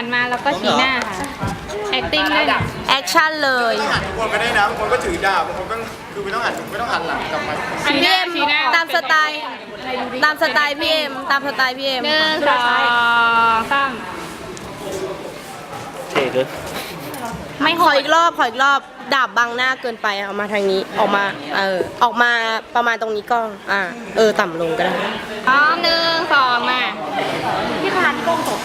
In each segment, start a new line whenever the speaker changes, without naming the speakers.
นมาแล้วก็ชี้หน้าค่ะ acting ด้วยนะ
แอคชั่นเลย
หันทุกคนก็ได้นะบางคนก็ถือดาบบางคนก็คือไม่ต้องหันหลังกลับมา
ชี้ห
พี่
น้า
เอ็ม
ชี้หน้า
ตามสไตล์พี่เอ็มตามสไตล์พี่เอ็ม
หนึ่งสองสาม
เท่ด้วย
ไม่โห
ขอ
ด
อีกรอบดาบบังหน้าเกินไปเอามาทางนี้ออกมาออกมาประมาณตรงนี้ก็ต่ำลงก็ได้
พร้อมหนึ่งสองมาพี่คานกล้องตกนะ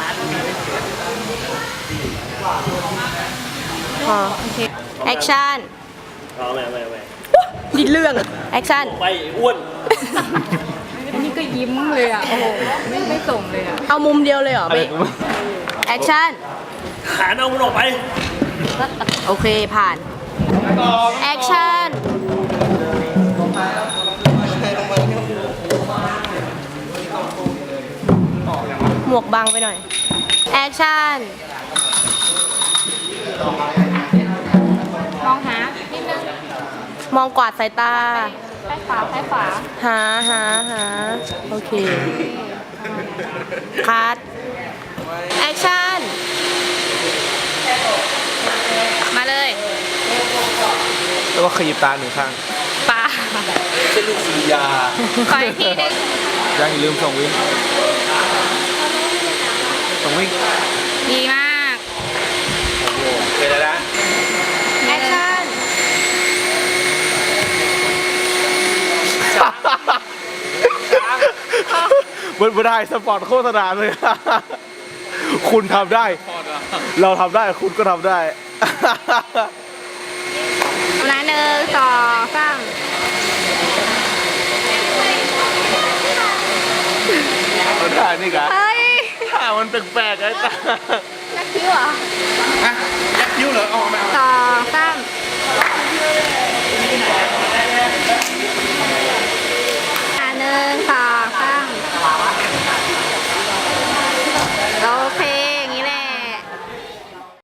พอแอคชั่น
เอาไม่
ดิเรื่องแอคชั่น
ไปอ้วน
อันนี้ก็ยิ้มเลยอ่ะ โอ้โห ไม่ส่งเลยอ่ะ
เอามุมเดียวเลยเหรอพี่แอคชั่น
หาเอามันออกไป
โอเคผ่านแอคชั่นหมวกบังไปหน่อยแอคชั่น
มองหานิดนึง
มองกวาดสายตา
ซ้ายขวาซ้ายขวา
หาโอเคคัดแอคชั่น
มาเลย
แล้วก็ขยิบตาหนึ่งข้าง
ปลา
เส้นลูกสุริยา
ขออีกทีหนึง
ยังอย่าลืมส่งวิ่งส่งวิ่ง
ดีมาก
โอเคแล้วนะ
แอคชั่น
ไม่ได้สปอร์ตโฆษณาเลย คุณทำได้ เราทำได้คุณก็ทำได้
นะหนึ่งสองสาม
มันได้นี่กะ
เฮ้ย
ถ้ามันแปลกๆไอ้ตา
นักคิ้วเหรอ
ยักคิ้วเหรอ